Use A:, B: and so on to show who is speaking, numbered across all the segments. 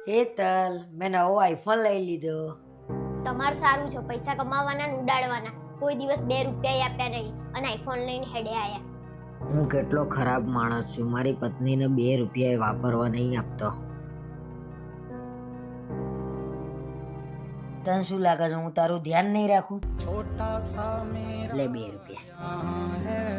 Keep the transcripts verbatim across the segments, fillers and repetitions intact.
A: હેતલ, મેં નવો આઈફોન લઈ લીધો.
B: તમારે સારું છે, પૈસા કમાવાના ને ઉડાડવાના. કોઈ દિવસ બે રૂપિયા આપ્યા નહીં અને આઈફોન લઈને હેડે આયા.
A: હું કેટલો ખરાબ માણસ છું, મારી પત્નીને બે રૂપિયા વાપરવા નહીં આપતો. તને શું લાગે છે હું તારું ધ્યાન નહીં રાખું? લે બે રૂપિયા.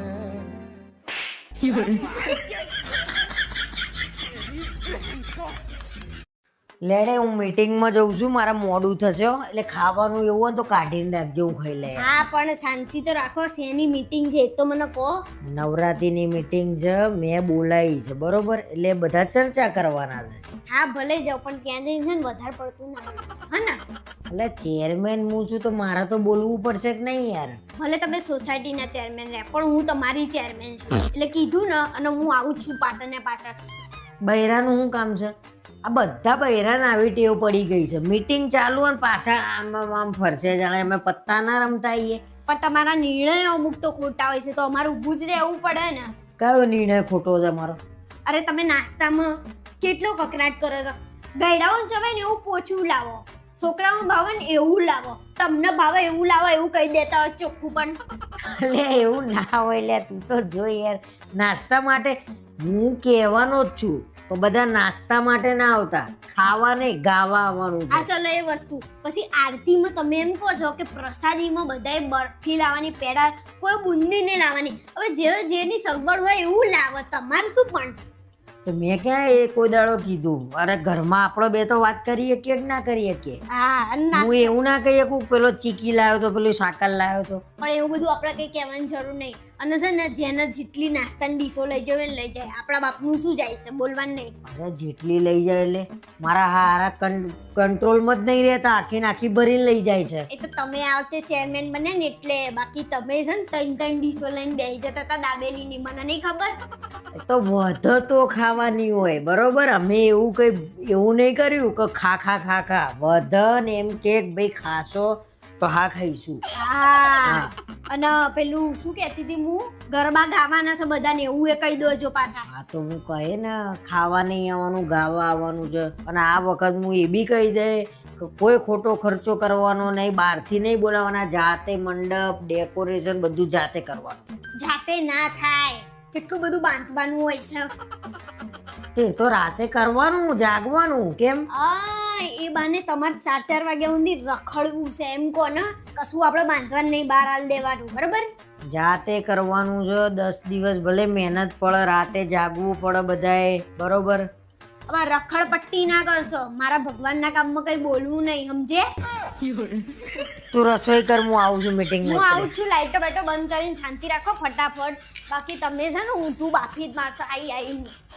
A: લેડે હું મીટિંગમાં જઉં છું, મારા મોડું થશે હો. એટલે ખાવાનું એવું હોય તો કાઢીને રાખજો, હું ખાઈ લે.
B: હા પણ શાંતિ તો રાખો. શેની મીટિંગ છે એ તો મને કહો.
A: નવરાત્રીની મીટિંગ છે, મેં બોલાવી છે બરોબર, એટલે બધા ચર્ચા કરવાના છે.
B: હા ભલે જાઓ, પણ ત્યાં જઈને છે ને વધારે પડતું ના હા ને.
A: એટલે ચેરમેન હું છું તો મારે તો બોલવું પડશે કે નહીં યાર?
B: ભલે તમે સોસાયટીના ચેરમેન રહ્યા, પણ હું તમારી ચેરમેન છું એટલે કીધું ને. અને હું આવું જ છું પાછળ ને પાછળ.
A: બૈરાનું શું કામ છે? આ બધા બૈરાને આવી ટેવ પડી ગઈ છે, મીટિંગ ચાલુ અને પાછળ આમ આમ ફરશે, જાણે અમે પત્તા ના રમતા આવીએ.
B: પણ તમારા નિર્ણયો અમુક તો ખોટા હોય છે, તો અમારે ઊભું જ રહેવું પડે ને.
A: કયો નિર્ણય ખોટો છે મારો?
B: અરે તમે નાસ્તામાં કેટલો કકરાટ કરો છો. ગયડાઓને જવાય ને એવું પોચું લાવો, છોકરાઓને ભાવે ને એવું લાવો, તમને ભાવે એવું લાવો એવું કહી દેતા હોય ચોખ્ખું. પણ
A: લે એવું ના હોય લે, તું તો જો યાર. નાસ્તા માટે હું કહેવાનો જ છું, તો બધા નાસ્તા માટે ના આવતા, ખાવા નહીં ગાવા આવવાનું છે.
B: આ ચલો એ વસ્તુ. પછી આરતીમાં તમે એમ કહો છો કે પ્રસાદીમાં બધાએ બરફી લાવવાની, પેડા, કોઈ બુંદી નહીં લાવવાની. હવે જે જેની સગવડ હોય એવું લાવો, તમારે શું? પણ
A: તો મેં ક્યાં એ કોઈ દાડો કીધું? અરે ઘરમાં આપણો બે તો વાત કરીએ કે ના કરીએ કે?
B: હા,
A: હું એવું ના કહીએ કે પેલો ચીકી લાવ્યો તો પેલું સાકર લાવ્યો તો.
B: પણ એવું બધું આપણે કઈ કહેવાની જરૂર નહીં. અને છે ને જેને જેટલી નાસ્તાની ડીશો લઈ જવે ને લઈ જાય, આપણા બાપનું શું જાય છે, બોલવાનું નહીં.
A: અરે જેટલી લઈ જાય એટલે મારા હારા કંટ્રોલમાં જ નહીં રહેતા, આખી નાખી ભરીને લઈ જાય છે.
B: એ તો તમે આ વખતે ચેરમેન બને ને એટલે. બાકી તમે છે ને ત્રણ ત્રણ ડીશો લઈને બેસી જતા હતા દાબેલીની, મને નહીં ખબર.
A: તો વધ તો ખાવાની હોય બરોબર. અમે એવું કઈ એવું નહીં કર્યું કે ખા ખા ખા ખા. વધ ને એમ કે ભાઈ ખાશો તો હા ખાઈશું.
B: હા, અને પેલું શું કહેતી હતી હું, ગરબા ગાવાના છે બધાને એવું એ કહી દોજો પાછા.
A: હા તો હું કહે ને ખાવા નહીં આવવાનું, ગાવા આવવાનું છે. અને આ વખત હું એ બી કહી દે કે કોઈ ખોટો ખર્ચો કરવાનો નહીં, બહારથી નહીં બોલાવવાના, જાતે મંડપ ડેકોરેશન બધું જાતે કરવાનું.
B: જાતે ના થાય, કેટલું બધું બાંધવાનું હોય છે.
A: એ તો રાતે કરવાનું, જાગવાનું. કેમ?
B: આ એ બાને તમારે ચાર ચાર વાગ્યા સુધી રખડવું છે એમ કહો ને. કશું આપણે બાંધવાનું નહીં, બહાર હાલ દેવાનું, બરાબર?
A: જાતે કરવાનું છે. દસ દિવસ ભલે મહેનત પડે, રાતે જાગવું પડે બધાએ, બરોબર?
B: હવે રખડ પટ્ટી ના કરશો. મારા ભગવાનના કામમાં કઈ બોલવું નહીં, સમજે?
A: તું રસોઈ કર, હું આવું છું મીટિંગ.
B: હું આવું છું. લાઈટો બાઈટો બંધ કરીને શાંતિ રાખો ફટાફટ. બાકી તમે છે ને ઊંધું બાફી જ મારશો આઈ આઈ.